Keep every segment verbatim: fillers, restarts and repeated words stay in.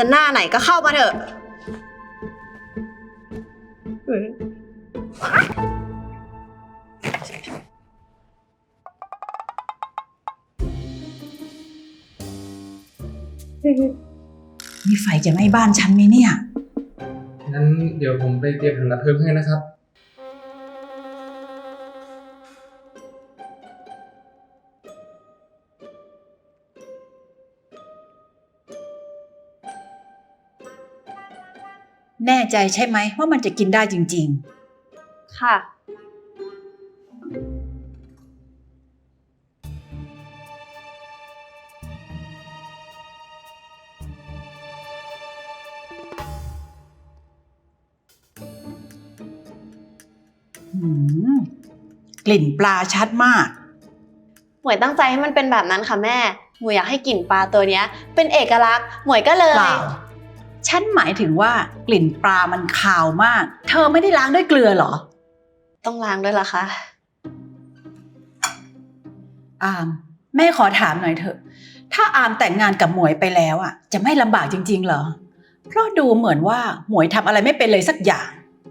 จะหน้าไหนก็เข้ามาเถอะมีไฟจะไหม้บ้านฉันไหมเนี่ยงั้นเดี๋ยวผมไปเตรียมถังดับเพลิงให้นะครับแน่ใจใช่ไหมว่ามันจะกินได้จริงค่ะๆหืมกลิ่นปลาชัดมากหมวยตั้งใจให้มันเป็นแบบนั้นค่ะแม่หมวยอยากให้กลิ่นปลาตัวเนี้ยเป็นเอกลักษณ์หมวยก็เลยเปล่าฉันหมายถึงว่ากลิ่นปลามันคาวมากเธอไม่ได้ล้างด้วยเกลือเหรอต้องล้างด้วยล่ะคะอามแม่ขอถามหน่อยเถอะถ้าอามแต่งงานกับหมวยไปแล้วอ่ะจะไม่ลำบากจริงๆเหรอเพราะดูเหมือนว่าหมวยทำอะไรไม่เป็นเลยสักอย่าง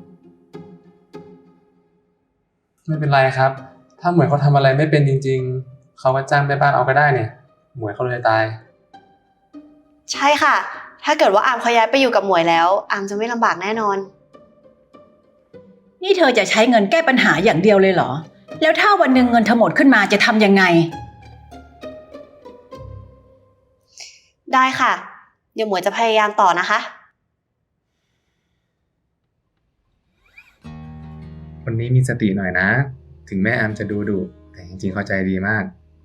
ไม่เป็นไรครับ ถ้าหมวยเขาทำอะไรไม่เป็นจริงๆเขาก็จ้างแม่บ้านเอาก็ได้เนี่ยหมวยเขาเลยตายใช่ค่ะถ้าเกิดว่าอามเขาย้ายไปอยู่กับหมวยแล้วอามจะไม่ลำบากแน่นอนนี่เธอจะใช้เงินแก้ปัญหาอย่างเดียวเลยเหรอแล้วถ้าวันหนึ่งเงินเธอหมดขึ้นมาจะทำยังไงได้ค่ะเดี๋ยวหมวยจะพยายามต่อนะคะคนนี้มีสติหน่อยนะถึงแม่อามจะดูดุแต่จริงๆเข้าใจดีมาก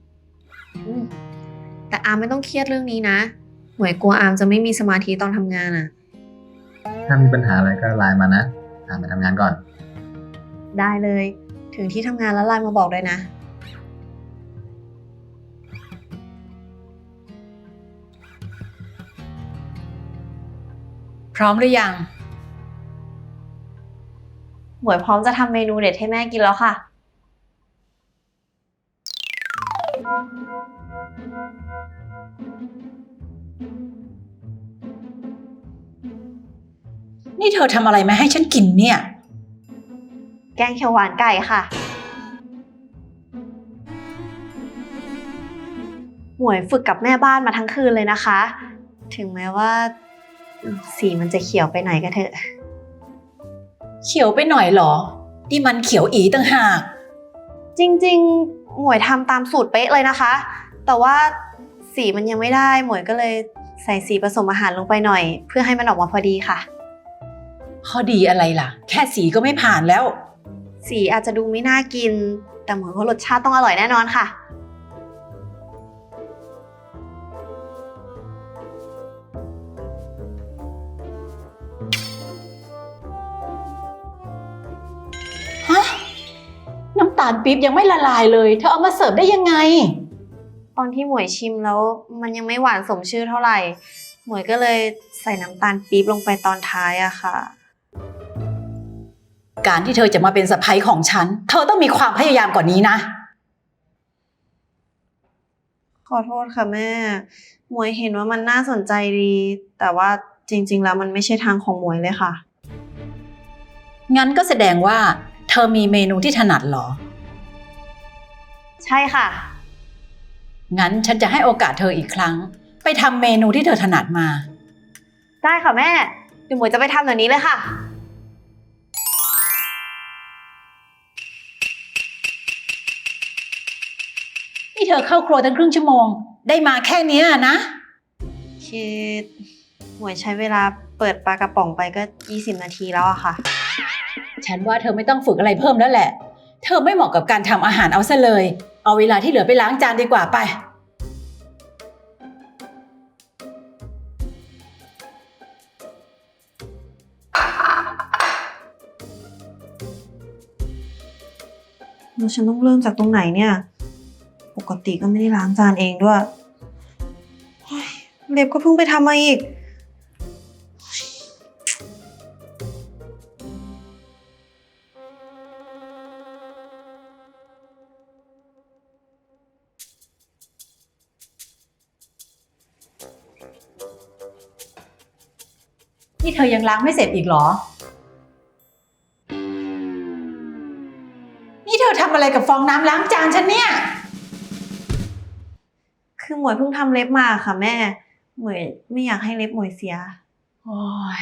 แต่อามไม่ต้องเครียดเรื่องนี้นะหมวยกลัวอามจะไม่มีสมาธิตอนทำงานอะถ้ามีปัญหาอะไรก็ไลน์มานะอามไปทำงานก่อนได้เลยถึงที่ทำงานแล้วไลน์มาบอกด้วยนะพร้อมหรือยังหมวยพร้อมจะทำเมนูเด็ดให้แม่กินแล้วค่ะนี่เธอทำอะไรมาให้ฉันกินเนี่ยแกงเขียวหวานไก่ค่ะหมวยฝึกกับแม่บ้านมาทั้งคืนเลยนะคะถึงแม้ว่าสีมันจะเขียวไปหน่อยก็เถอะเขียวไปหน่อยเหรอนี่มันเขียวอีต่างหากจริงๆหมวยทำตามสูตรเป๊ะเลยนะคะแต่ว่าสีมันยังไม่ได้หมวยก็เลยใส่สีผสมอาหารลงไปหน่อยเพื่อให้มันออกมาพอดีค่ะข้อดีอะไรล่ะแค่สีก็ไม่ผ่านแล้วสีอาจจะดูไม่น่ากินแต่หมวยว่ารสชาติต้องอร่อยแน่นอนค่ะฮะน้ำตาลปี๊บยังไม่ละลายเลยเธอเอามาเสิร์ฟได้ยังไงตอนที่หมวยชิมแล้วมันยังไม่หวานสมชื่อเท่าไหร่หมวยก็เลยใส่น้ำตาลปี๊บลงไปตอนท้ายอะค่ะการที่เธอจะมาเป็นสะใภ้ของฉันเธอต้องมีความพยายามกว่านี้นะขอโทษค่ะแม่หมวยเห็นว่ามันน่าสนใจดีแต่ว่าจริงๆแล้วมันไม่ใช่ทางของหมวยเลยค่ะงั้นก็แสดงว่าเธอมีเมนูที่ถนัดเหรอใช่ค่ะงั้นฉันจะให้โอกาสเธออีกครั้งไปทำเมนูที่เธอถนัดมาได้ค่ะแม่เดี๋ยวหมวยจะไปทำแบบนี้เลยค่ะนี่เธอเข้าครัวตั้งครึ่งชั่วโมงได้มาแค่นี้นะคือหมวยใช้เวลาเปิดปลากระป๋องไปก็ยี่สิบนาทีแล้วอะค่ะฉันว่าเธอไม่ต้องฝึกอะไรเพิ่มแล้วแหละเธอไม่เหมาะกับการทำอาหารเอาซะเลยเอาเวลาที่เหลือไปล้างจานดีกว่าไปแล้วฉันต้องเริ่มจากตรงไหนเนี่ยปกติก็ไม่ได้ล้างจานเองด้วยเล็บก็เพิ่งไปทำมาอีกนี่เธอยังล้างไม่เสร็จอีกเหรอ นี่เธอทำอะไรกับฟองน้ำล้างจานฉันเนี่ยคือหมวยเพิ่งทำเล็บมาค่ะแม่ หมวยไม่อยากให้เล็บหมวยเสียโอ้ย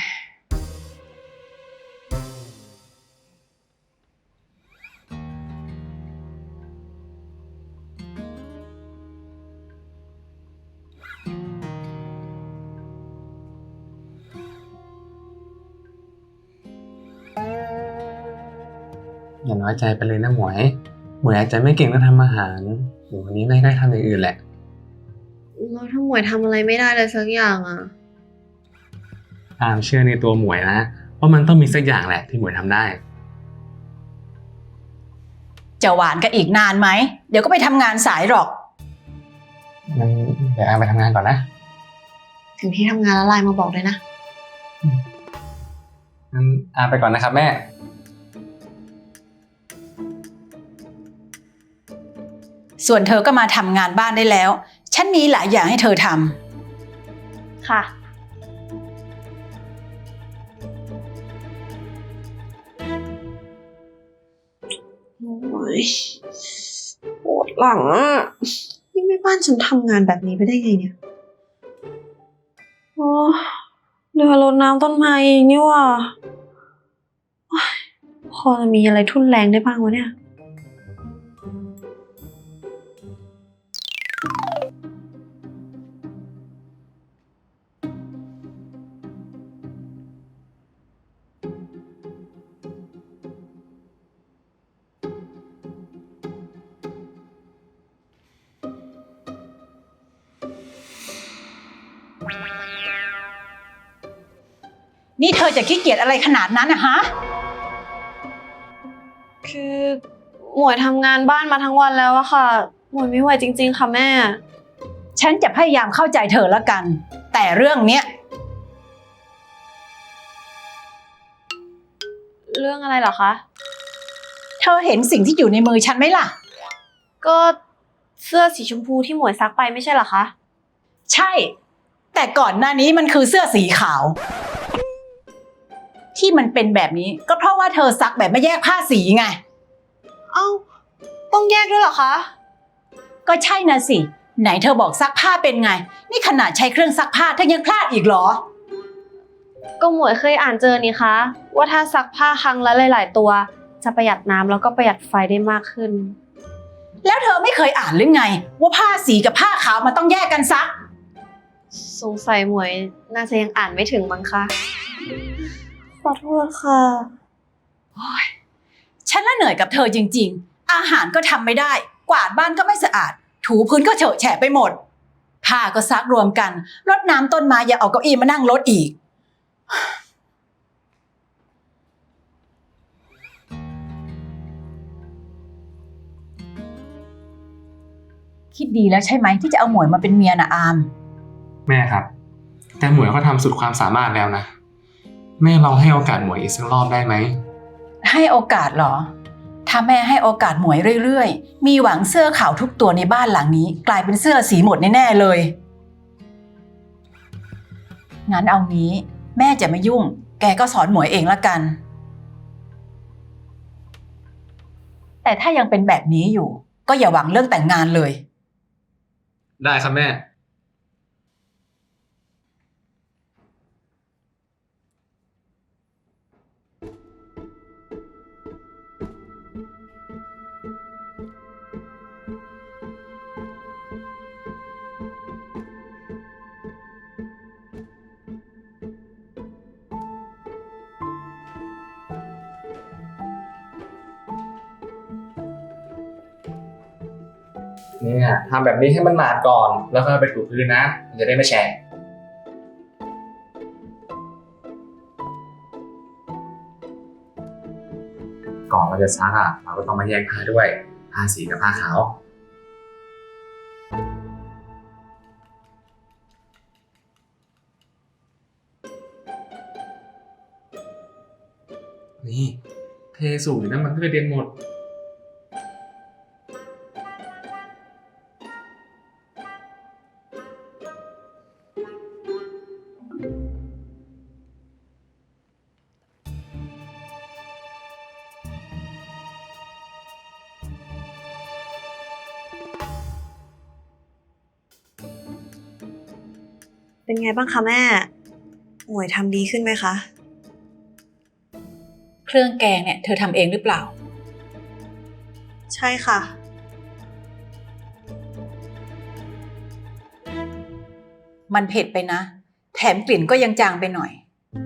อย่าน้อยใจไปเลยนะหมวย หมวยอาจจะไม่เก่งเรื่องทำอาหารเดี๋ยววันนี้แม่ก็ให้ทำอย่างอื่นแหละแล้วถ้าหมวยทำอะไรไม่ได้เลยสักอย่างอะอามเชื่อในตัวหมวยนะว่ามันต้องมีสักอย่างแหละที่หมวยทำได้จะหวานกันอีกนานไหม เดี๋ยวก็ไปทำงานสายหรอกงั้นเดี๋ยวอามไปทำงานก่อนนะถึงที่ทำงานแล้วไลน์มาบอกเลยนะงั้นอามไปก่อนนะครับแม่ส่วนเธอก็มาทำงานบ้านได้แล้ว ฉันมีหลายอย่างให้เธอทำค่ะ โอ้ยปวดหลังอ่ะ นี่แม่บ้านฉันทำงานแบบนี้ไปได้ไงเนี่ยโอ้เรือรดน้ำต้นไม้เองนี่ว่ะโอ๊ยพอจะมีอะไรทุ่นแรงได้บ้างวะเนี่ยนี่เธอจะขี้เกียจอะไรขนาดนั้นนะฮะคือหมวยทำงานบ้านมาทั้งวันแล้วอะค่ะ หมวยไม่ไหวจริงๆค่ะแม่ฉันจะพยายามเข้าใจเธอละกัน แต่เรื่องเนี้ยเรื่องอะไรเหรอคะเธอเห็นสิ่งที่อยู่ในมือฉันไหมล่ะก็เสื้อสีชมพูที่หมวยซักไปไม่ใช่เหรอคะใช่ แต่ก่อนหน้านี้มันคือเสื้อสีขาว ที่มันเป็นแบบนี้ก็เพราะว่าเธอซักแบบไม่แยกผ้าสีไงเอ้า ต้องแยกด้วยเหรอคะก็ใช่นะสิ ไหนเธอบอกซักผ้าเป็นไง นี่ขนาดใช้เครื่องซักผ้าเธอยังพลาดอีกเหรอก็หมวยเคยอ่านเจอนี่คะ ว่าถ้าซักผ้าครั้งละหลายๆตัว จะประหยัดน้ำแล้วก็ประหยัดไฟได้มากขึ้นแล้วเธอไม่เคยอ่านหรือไง ว่าผ้าสีกับผ้าขาวมันต้องแยกกันซักสงสัยหมวยน่าจะยังอ่านไม่ถึงมั้งคะ ขอโทษค่ะฉันละเหนื่อยกับเธอจริงๆ อาหารก็ทำไม่ได้ กวาดบ้านก็ไม่สะอาด ถูพื้นก็เฉอะแฉะไปหมด ผ้าก็ซักรวมกัน รดน้ำต้นไม้อย่าเอาเก้าอี้มานั่งรดอีก คิดดีแล้วใช่ไหมที่จะเอาหมวยมาเป็นเมียนะอามแม่ครับ แต่หมวยก็ทำสุดความสามารถแล้วนะ แม่ลองให้โอกาสหมวยอีกสักรอบได้ไหมให้โอกาสเหรอ ถ้าแม่ให้โอกาสหมวยเรื่อยๆ มีหวังเสื้อขาวทุกตัวในบ้านหลังนี้ กลายเป็นเสื้อสีหมดแน่ๆเลย งั้นเอางี้ แม่จะไม่ยุ่ง แกก็สอนหมวยเองละกัน แต่ถ้ายังเป็นแบบนี้อยู่ ก็อย่าหวังเรื่องแต่งงานเลยได้ครับแม่ เนี่ยทำแบบนี้ให้มันหนาดก่อน แล้วก็ไปถูพื้นนะมันจะได้ไม่แฉะก่อนเราจะซักอ่ะเราก็ต้องมาแยกผ้าด้วยผ้าสีกับผ้าขาวนี่เทสูงอยู่นะมันก็กระเด็นหมดเป็นไงบ้างคะแม่ หมวยทำดีขึ้นไหมคะเครื่องแกงเนี่ยเธอทำเองหรือเปล่าใช่ค่ะมันเผ็ดไปนะ แถมกลิ่นก็ยังจางไปหน่อย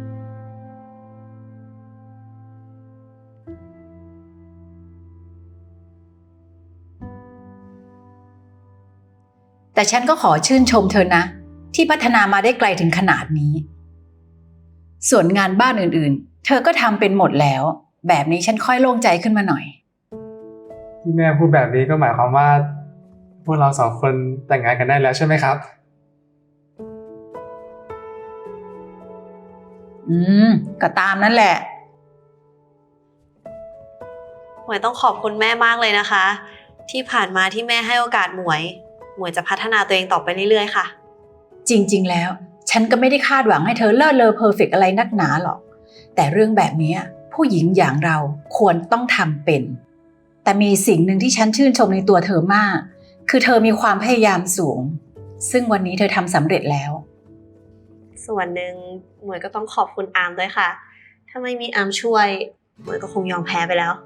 แต่ฉันก็ขอชื่นชมเธอนะ ที่พัฒนามาได้ไกลถึงขนาดนี้ ส่วนงานบ้านอื่นๆ เธอก็ทำเป็นหมดแล้ว แบบนี้ฉันค่อยโล่งใจขึ้นมาหน่อยที่แม่พูดแบบนี้ก็หมายความว่า พวกเราสองคนแต่งงานกันได้แล้วใช่ไหมครับอืมก็ตามนั่นแหละหมวยต้องขอบคุณแม่มากเลยนะคะ ที่ผ่านมาที่แม่ให้โอกาสหมวย หมวยจะพัฒนาตัวเองต่อไปเรื่อยๆค่ะจริงๆ แล้ว ฉันก็ไม่ได้คาดหวังให้เธอเลิศเลอเพอร์เฟกต์อะไรนักหนาหรอก แต่เรื่องแบบนี้ผู้หญิงอย่างเราควรต้องทำเป็น แต่มีสิ่งหนึ่งที่ฉันชื่นชมในตัวเธอมาก คือเธอมีความพยายามสูง ซึ่งวันนี้เธอทำสำเร็จแล้วส่วนหนึ่งหมวยก็ต้องขอบคุณอาร์มด้วยค่ะ ถ้าไม่มีอาร์มช่วย หมวยก็คงยอมแพ้ไปแล้ว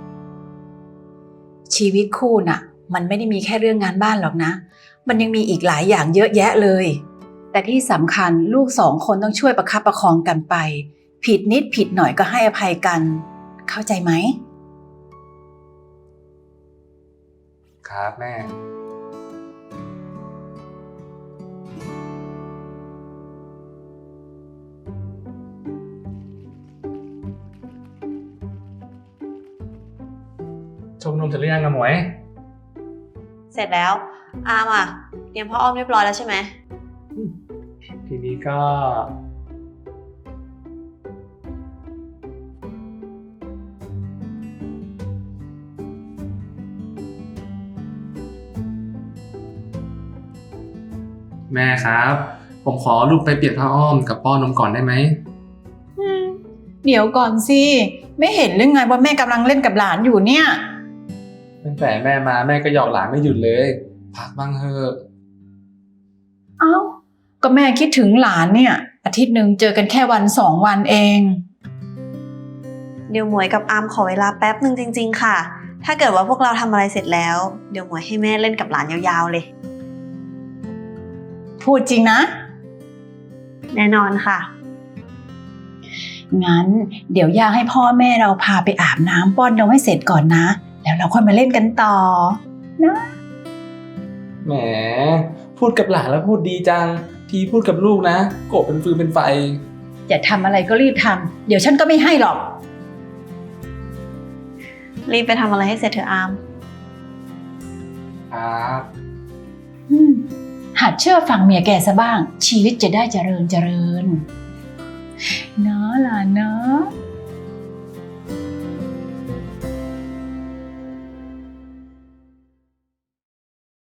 ชีวิตคู่น่ะ มันไม่ได้มีแค่เรื่องงานบ้านหรอกนะ มันยังมีอีกหลายอย่างเยอะแยะเลย แต่ที่สำคัญลูกสองคนต้องช่วยประคับประคองกันไป ผิดนิดผิดหน่อยก็ให้อภัยกัน เข้าใจไหมครับแม่ ชมนมเสร็จหรือยังอะหมวยเสร็จแล้ว อาร์มอ่ะเตรียมพ่ออ้อมเรียบร้อยแล้วใช่ไหมทีนี้ก็ แม่ครับ ผมขอลูกไปเปลี่ยนผ้าอ้อมกับป้อนนมก่อนได้ไหมเดี๋ยวก่อนสิ ไม่เห็นหรือไงว่าแม่กำลังเล่นกับหลานอยู่เนี่ยตั้งแต่แม่มาแม่ก็หยอกหลานไม่หยุดเลย พักบ้างเถอะเอ้า ก็แม่คิดถึงหลานเนี่ย อาทิตย์หนึ่งเจอกันแค่วันสองวันเองเดี๋ยวหมวยกับอาร์มขอเวลาแป๊บหนึ่งจริงๆค่ะ ถ้าเกิดว่าพวกเราทำอะไรเสร็จแล้ว เดี๋ยวหมวยให้แม่เล่นกับหลานยาวๆเลยพูดจริงนะแน่นอนค่ะงั้นเดี๋ยวย่าให้พ่อแม่เราพาไปอาบน้ำป้อนนมให้เสร็จก่อนนะ แล้วเราค่อยมาเล่นกันต่อ นะแหม พูดกับหลานแล้วพูดดีจัง ทีพูดกับลูกนะ โกรธเป็นฟืนเป็นไฟอย่าทำอะไรก็รีบทำ เดี๋ยวฉันก็ไม่ให้หรอกรีบไปทำอะไรให้เสร็จเถอะอาร์มครับอืมหัดเชื่อฟังเมียแกซะบ้าง ชีวิตจะได้เจริญเจริญเนาะหลานเนาะ